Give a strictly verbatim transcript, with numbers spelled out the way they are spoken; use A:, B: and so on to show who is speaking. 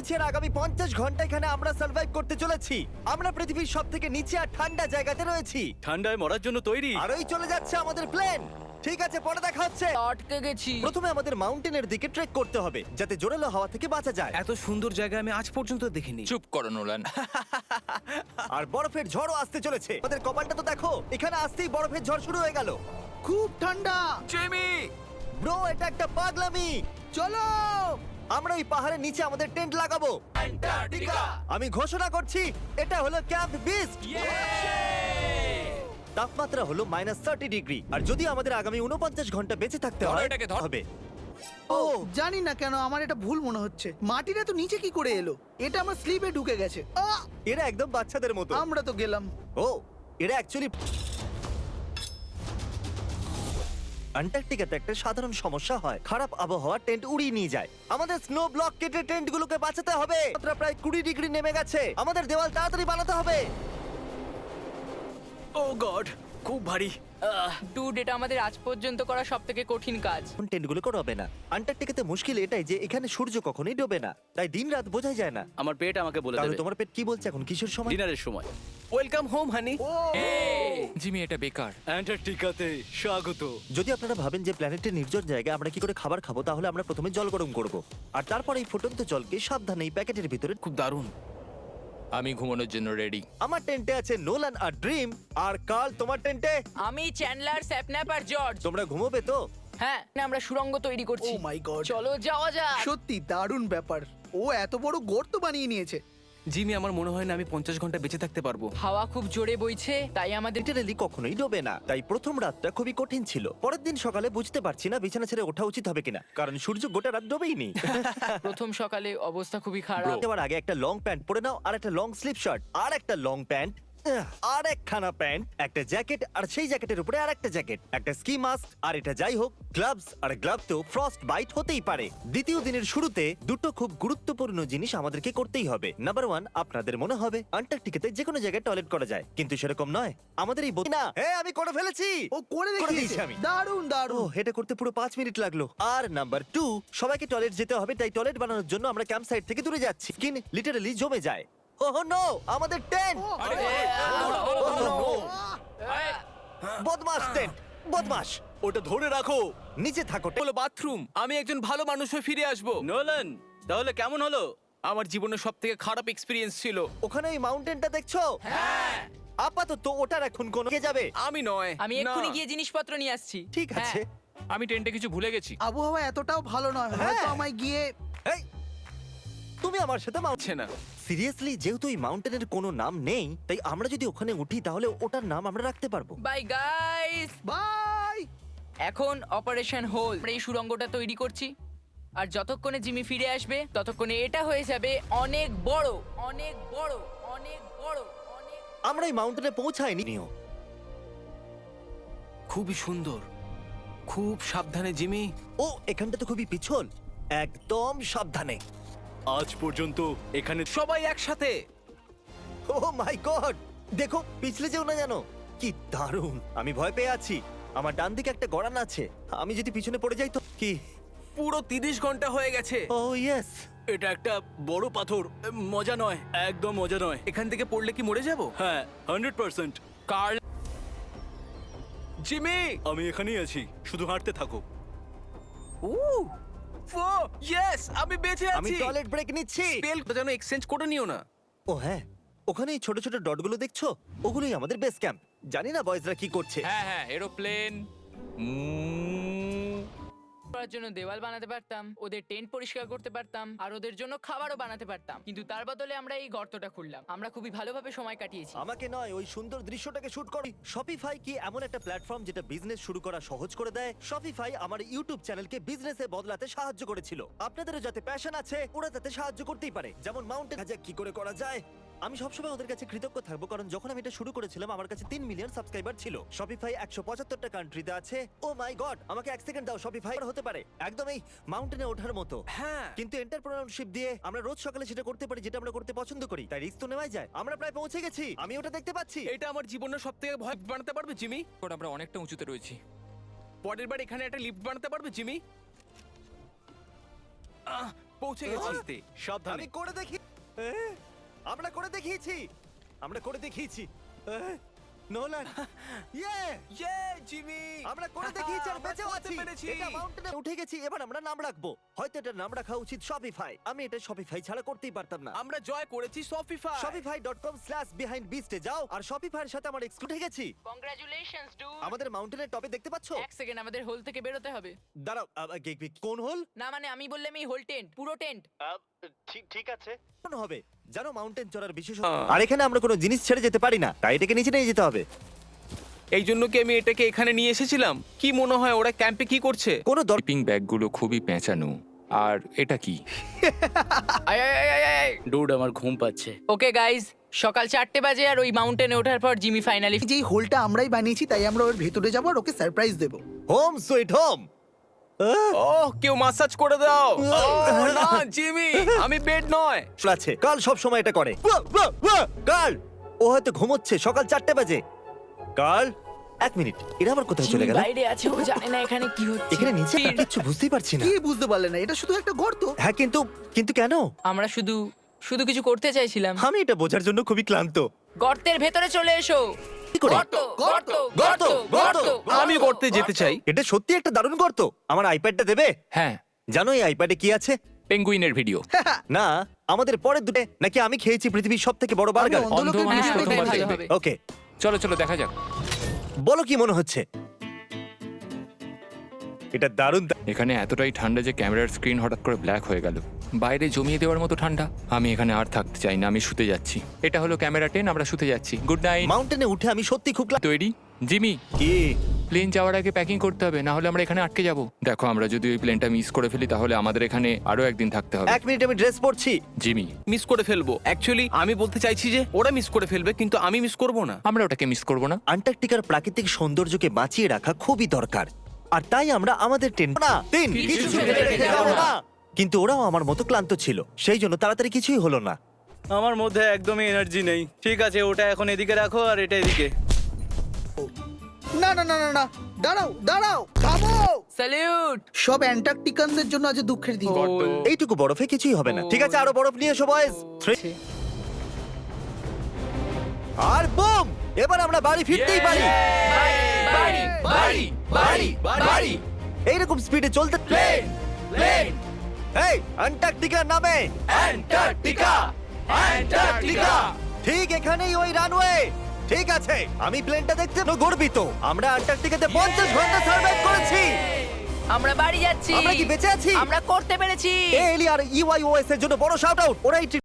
A: চলছে আর আগামী পঞ্চাশ ঘন্টা এখানে আমরা সার্ভাইভ করতে চলেছি। আমরা পৃথিবীর সব থেকে নিচে আর ঠান্ডা জায়গাতে রয়েছি।
B: ঠান্ডায় মরার জন্য তৈরি।
A: আর ওই চলে যাচ্ছে আমাদের প্লেন। ঠিক আছে, পরে দেখা হচ্ছে।
C: আটকে গেছি।
A: প্রথমে আমাদের মাউন্টেনের দিকে ট্রেক করতে হবে যাতে জোরালো হাওয়া থেকে বাঁচা যায়।
D: এত সুন্দর জায়গা আমি আজ পর্যন্ত দেখিনি।
E: চুপ করো নোলান।
A: আর বরফের ঝড়ও আসতে চলেছে। আমাদের কপালটা তো দেখো, এখানে আসতেই বরফের ঝড় শুরু হয়ে গেল।
F: খুব ঠান্ডা।
D: জিমি,
A: ব্রো, এটা একটা পাগলামি।
F: চলো।
A: আমরা ওই পাহাড়ের নিচে আমাদের টেন্ট লাগাবো। আমি ঘোষণা করছি, এটা হলো ক্যাম্প বিস্ট। তাপমাত্রা হলো মাইনাস থার্টি ডিগ্রি। আর যদি আমাদের আগামী উনপঞ্চাশ ঘন্টা বেঁচে থাকতে
E: ধরো
A: হয়
E: এটাকে, ধরো।
A: হবে।
F: ও জানি না কেন আমার এটা ভুল মনে হচ্ছে। মাটিটা তো নিচে কি করে এলো? এটা আমার স্লিপে ঢুকে গেছে। আহ!
A: এরা একদম বাচ্চাদের মতো।
F: আমরা তো গেলাম।
A: ও, এরা অ্যাকচুয়ালি অ্যান্টার্কটিকাতে একটা সাধারণ সমস্যা হয়, খারাপ আবহাওয়া টেন্ট উড়িয়ে নিয়ে যায়। আমাদের স্নো ব্লক কেটে টেন্টগুলোকে বাঁচাতে হবে। তাপমাত্রা প্রায় কুড়ি ডিগ্রি নেমে গেছে। আমাদের দেওয়াল তাড়াতাড়ি বানাতে হবে।
D: ও গড, খুব ভারী।
C: ডুড, এটা আমাদের আজ পর্যন্ত করা সব থেকে কঠিন কাজ।
A: টেন্টগুলো করবে না। অ্যান্টার্কটিকাতে মুশকিল এটাই যে এখানে সূর্য কখনোই ডোবে না, তাই দিন রাত বোঝাই যায় না।
B: আমার পেট আমাকে বলে
A: তাহলে
B: দেবে
A: তোমার পেট কি বলছে এখন? কিশোর সময়?
B: ডিনারের সময়।
D: Welcome home honey.
E: জিমি, এটা বেকার।
B: অ্যান্টার্কটিকাতে স্বাগত।
A: যদি আপনারা ভাবেন যে প্ল্যানেটের নির্জন জায়গায় আমরা কি করে খাবার খাবো, তাহলে আমরা প্রথমে জল গরম করব আর তারপর এই ফুটন্ত জলকে সাবধানে এই প্যাকেটের ভিতরে।
D: খুব দারুণ।
E: আমি ঘুমানোর জন্য রেডি।
A: আমার টেন্টে আছে নোলান আর ড্রিম। আর কাল, তোমার টেন্টে
C: আমি চ্যান্ডলার, স্যাপন্যাপ আর জর্জ।
A: তোমরা ঘুমোবে তো?
C: হ্যাঁ, আমরা সুড়ঙ্গ তৈরি করছি।
F: Oh my God.
C: চলো যাওয়া যাক।
F: সত্যি দারুণ ব্যাপার। ও এত বড় গর্ত বানিয়ে নিয়েছে।
D: জিমি, আমার মনে হয় না আমি পঞ্চাশ ঘন্টা বেঁচে থাকতে পারবো।
C: হাওয়া খুব জোরে বইছে, তাই আমাদের
A: লিটারালি কখনোই ডোবে না। তাই প্রথম রাতটা খুবই কঠিন ছিল। পরের দিন সকালে বুঝতে পারছি না বিছানা ছেড়ে ওঠা উচিত হবে কিনা, কারণ সূর্য গোটা রাত ডোবেই নি।
C: প্রথম সকালে অবস্থা খুবই খারাপ।
A: যাওয়ার আগে একটা লং প্যান্ট পরে নাও, আর একটা লং স্লিপ শার্ট, আর একটা লং প্যান্ট, আর একখানা প্যান্ট, একটা জ্যাকেট, আর সেই জ্যাকেটের উপরে আর একটা জ্যাকেট, একটা স্কি মাস্ক, আর এটা যাই হোক গ্লাভস। আর গ্লাভসেও ফ্রস্ট বাইট হতেই পারে। দ্বিতীয় দিনের শুরুতে দুটো খুব গুরুত্বপূর্ণ জিনিস আমাদেরকে করতেই হবে। নাম্বার ওয়ান, আপনাদের মনে হবে অ্যান্টার্কটিকাতে যে কোনো জায়গায় টয়লেট করা যায়, কিন্তু সেরকম নয়। আমাদের এই বই- না, হ্যাঁ আমি করে ফেলেছি।
F: ও করে
A: করে দিয়েছি
F: দেখিয়েছে।
A: আমি।
F: দারুণ
A: ও,
F: দারুণ।
A: এটা করতে পুরো পাঁচ মিনিট লাগলো। আর নাম্বার টু, সবাইকে টয়লেট যেতে হবে, তাই টয়লেট বানানোর জন্য আমরা ক্যাম্প সাইট থেকে দূরে যাচ্ছি। স্কিন লিটারালি জমে যায়। ওহ নো, আমাদের টেন্ট! বদমাস টেন্ট, বদমাস।
D: ওটা ধরে রাখো।
A: নিচে থাকো।
D: হলো বাথরুম। আমি একজন ভালো মানুষ হয়ে ফিরে আসবো।
B: নোলান, তাহলে কেমন হলো?
D: আমার জীবনের সব থেকে খারাপ এক্সপিরিয়েন্স ছিল।
A: ওখানে ওই মাউন্টেনটা দেখছো?
C: হ্যাঁ।
A: আপাতত ওটার এখন কোন কে যাবে?
D: আমি নয়।
C: আমি
D: না।
C: এক্ষুনি গিয়ে জিনিসপত্র নিয়ে আসছি।
A: ঠিক আছে।
C: হ্যাঁ।
E: আমি টেন্টে কিছু ভুলে গেছি।
F: আবহাওয়া এতটাও ভালো নয়,
A: হ্যাঁ।
F: হয়তো আমায় গিয়ে।
A: এই, তুমি আমার সাথে মাউন্ট
D: হচ্ছে না।
A: সিরিয়াসলি, যেহেতু এই মাউন্টেনের কোনো নাম নেই, তাই আমরা যদি ওখানে উঠি তাহলে ওটার নাম আমরা রাখতে পারবো।
C: Bye guys.
F: বাই।
C: এখন অপারেশন হোল। আমরা এই সুড়ঙ্গটা তৈরি করছি, আর যতক্ষণে জিমি ফিরে আসবে ততক্ষণে এটা হয়ে যাবে অনেক বড়, অনেক বড়, অনেক বড়, অনেক।
A: আমরা এই মাউন্টেনে পৌঁছাইনি। নিও,
D: খুবই সুন্দর। খুব সাবধানে জিমি।
A: ও এখানটা তো খুবই পিছল। একদম সাবধানে।
B: আজ পর্যন্ত এখানে
D: সবাই একসাথে।
A: ও মাই গড, দেখো পিছলে যেও না জানো। কি দারুণ! আমি ভয় পেয়ে আছি। আমার ডান দিকে একটা গড়ান আছে, আমি যদি পিছনে পড়ে যাই তো কি?
D: পুরো তিরিশ ঘন্টা হয়ে গেছে।
A: Oh yes.
B: এটা একটা বড় পাথর। মজা নয়, একদম মজা নয়।
D: এখান থেকে পড়লে কি মরে যাব?
B: হ্যাঁ, হান্ড্রেড পার্সেন্ট।
E: Curl,
D: Jimmy.
B: আমি এখানেই আছি, শুধু হাঁটতে থাকো।
D: ও ফো ইয়েস, আমি বেঁচে
A: আমি
D: আছি।
A: টয়লেট ব্রেক নিচ্ছি।
D: স্পেল যেন এক্সচেঞ্জ করে নিও না।
A: ও হ্যাঁ, ওখানে এই ছোট ছোট ডটগুলো দেখছো? ওগুলোই আমাদের বেস ক্যাম্প। জানি না বয়েজরা কি করছে।
E: হ্যাঁ হ্যাঁ, এরোপ্লেন।
C: করার জন্য দেওয়াল বানাতে পারতাম, ওদের টেন্ট পরিষ্কার করতে পারতাম, আর ওদের জন্য খাবারও বানাতে পারতাম, কিন্তু তার বদলে আমরা এই গর্তটা খুললাম। আমরা খুবই ভালোভাবে সময় কাটিয়েছি।
A: আমাকে নয়, ওই সুন্দর দৃশ্যটাকে শুট করি। শপিফাই কি এমন একটা প্ল্যাটফর্ম যেটা বিজনেস শুরু করা সহজ করে দেয়? শপিফাই আমার ইউটিউব চ্যানেলকে বিজনেসে বদলাতে সাহায্য করেছিল। আপনাদেরও যাতে প্যাশন আছে, ওরা তাতে সাহায্য করতেই পারে। যেমন মাউন্টেন হাজার কি করে করা যায়। আমি সবসময় ওদের কাছে কৃতজ্ঞ থাকবো, কারণ যখন আমি এটা শুরু করেছিলাম আমার কাছে তিন মিলিয়ন সাবস্ক্রাইবার ছিল। শপিফাই একশো পঁচাত্তরটা কান্ট্রিতে আছে। ও মাই গড, আমাকে এক সেকেন্ড দাও। শপিফাই হতে পারে একদম এই মাউন্টেনে ওঠার মতো।
D: হ্যাঁ।
A: কিন্তু এন্টারপ্রেনারশিপ দিয়ে আমরা রোজ সকালে সেটা করতে পারি যেটা আমরা করতে পছন্দ করি, তাই রিস্ক তো নেওয়াই যায়। আমরা প্রায় পৌঁছে গেছি, আমি ওটা দেখতে পাচ্ছি।
D: এটা আমার জীবনের সব থেকে ভয় বানাতে পারবে জিমি?
E: এখন আমরা অনেকটা উঁচুতে রয়েছি।
D: পরের বার এখানে একটা লিফট বানাতে পারবে জিমি? আহ, পৌঁছে গেছি
A: আমি
D: সাবধানে
A: করে দেখি এ, আমরা করে দেখিয়েছি আমরা করে দেখিয়েছি এ, নোলান ইয়ে
D: ইয়ে জিমি
A: আমরা করে দেখিয়েছি আর
D: আমরা
A: বেঁচেও
D: করতে
A: আছি
D: পেরেছি।
A: এটা মাউন্টেনে উঠে গেছি এবার আমরা নাম রাখবো হয়তো এটা নাম রাখা উচিত শপিফাই আমি এটা শপিফাই ছাড়া করতেই পারতাম না
D: আমরা জয় করেছি Shopify
A: Shopify dot com slash behind বিস্টে যাও আর শপিফাইয়ের সাথে আমার এক্সক্লুড হয়ে গেছি
C: কংগ্রাচুলেশনস ডুড
A: আমাদের মাউন্টেনের টপে দেখতে পাচ্ছো
C: এক সেকেন্ড আমাদের হোল থেকে বেরোতে হবে
A: দাঁড়াও আ, আ, গে- গে- কোন হল
C: না মানে আমি বললাম এই হোল টেন্ট পুরো টেন্ট
A: ঠিক ঠিক আছে কোন হবে জানো মাউন্টেন চড়ার বিশেষ আর এখানে আমরা কোনো জিনিস ছেড়ে যেতে পারি না তাই এটাকে নিচে নিয়ে যেতে হবে
D: এই জন্য কি আমি এটাকে এখানে নিয়ে এসেছিলাম কি মনে হয় ওরা ক্যাম্পে কি করছে
A: কোনো দর
E: স্লিপিং ব্যাগগুলো খুবই পেঁচানো আর এটা কি
C: আয় আয় আয়, আয় আয়
B: ডুড আমার ঘুম পাচ্ছে।
C: ওকে গাইস সকাল চারটে বাজে আর ওই মাউন্টেনে ওঠার পর জিমি ফাইনালি
F: যেই হোলটা আমরাই বানিয়েছি তাই আমরা ওর ভেতরে যাবো আর ওকে সারপ্রাইজ দেবো
A: হোম সুইট হোম
D: ওহ কেউ মাসাজ করে দাও ওহ, না জিমি আমি বেড নয়
A: আছে কাল সব সময় এটা করে ওয়া, ওয়া, ওয়া, কাল ও হয়তো ঘুমোচ্ছে সকাল চারটে বাজে কাল এক মিনিট এরা আবার কোথায় চলে
C: জিমি
A: গেল
C: বাইরে আছে ও জানে না এখানে কি হচ্ছে
A: এখানে নিচে না, কিচ্ছু বুঝতেই পারছি না
F: কি বুঝতে পারলে না এটা শুধু একটা গর্ত
A: হ্যাঁ কিন্তু কিন্তু কেন
C: আমরা শুধু শুধু কিছু করতে চাইছিলাম
A: আমি এটা বোঝার জন্য খুবই ক্লান্ত
C: গর্তের ভেতরে চলে এসো
A: কি করে
C: গর্ত গর্ত
A: গর্ত, গর্ত।
D: আমি করতে যেতে চাই
A: এটা সত্যি একটা দারুণ গর্ত আমার আইপ্যাডটা দেবে
E: হ্যাঁ
A: জানো এই আইপ্যাডে কি আছে
E: পেঙ্গুইনের ভিডিও
A: না আমাদের পরের দুটো নাকি আমি খেয়েছি পৃথিবীর সব থেকে বড় বার্গার
F: আমি অন্ধ লোকের
E: অন্ধ মানুষ
F: ভিডিও
E: প্রথমবার
F: দেখতে
C: ভালো
F: চাই।
C: হবে।
A: ওকে
E: চলো চলো দেখা যাক
A: বলো কি মনে হচ্ছে এটা দারুণ দা-
E: এখানে এতটাই ঠান্ডা যে ক্যামেরার স্ক্রিন হঠাৎ করে ব্ল্যাক হয়ে গেল বাইরে জমিয়ে দেওয়ার মতো ঠান্ডা আমি এখানে আর থাকতে চাই না আমি শুতে যাচ্ছি এটা হলো ক্যামেরা টেন আমরা শুতে যাচ্ছি গুড নাইট
A: মাউন্টেনে উঠে আমি সত্যি খুব ক্লা-
E: তৈরি জিমি
A: কি
E: প্লেন যাওয়ার আগে প্যাকিং করতে হবে না হলে আমরা এখানে আটকে যাব দেখো আমরা যদি ওই প্লেনটা মিস করে ফেলি তাহলে আমাদের এখানে আরো একদিন থাকতে হবে
A: এক মিনিট আমি ড্রেস পরছি
E: জিমি
D: মিস করে ফেলবো অ্যাকচুয়ালি আমি বলতে চাইছি যে ওরা মিস করে ফেলবে কিন্তু আমি মিস করব না
E: আমরা ওটাকে মিস করব না
A: আন্টার্কটিকার প্রাকৃতিক সৌন্দর্যকে বাঁচিয়ে রাখা খুবই দরকার আর তাই আমরা আমাদের টেন না তিন কিছু ফেলে রেখে যাবো না কিন্তু ওরাও আমার মতো ক্লান্ত ছিল সেই জন্য তাড়াতাড়ি কিছুই হলো না
B: আমার মধ্যে একদমই এনার্জি নেই। ঠিক আছে ওটা এখন এদিকে রাখো আর এটা এদিকে।
F: না না না না না দাঁড়াও দাঁড়াও থামো
C: স্যালিউট
F: সব অ্যান্টার্কটিকানদের জন্য আজ দুঃখের দিন
A: এইটুকু বরফে কিছুই হবে না ঠিক আছে আরো বরফ নিয়ে এসো বয়েজ আর বুম এবার আমরা বাড়ি ফিরতেই পারি
C: বাড়ি বাড়ি বাড়ি বাড়ি
A: এইরকম স্পিডে চলতে প্লেন প্লেন এই অ্যান্টার্কটিকার নামে অ্যান্টার্কটিকা অ্যান্টার্কটিকা ঠিক এখানেই ওই রানওয়ে ঠিক আছে আমি প্লেনটা দেখতে তো গর্বিত আমরা অ্যান্টার্কটিকাতে পঞ্চাশ ঘন্টা সার্ভাইভ করেছি
C: আমরা বাড়ি যাচ্ছি
A: আমরা কি বেঁচে আছি
C: আমরা করতে পেরেছি
A: এলি আর ইউআইওএস এর জন্য বড় শাউট আউট ওরা এই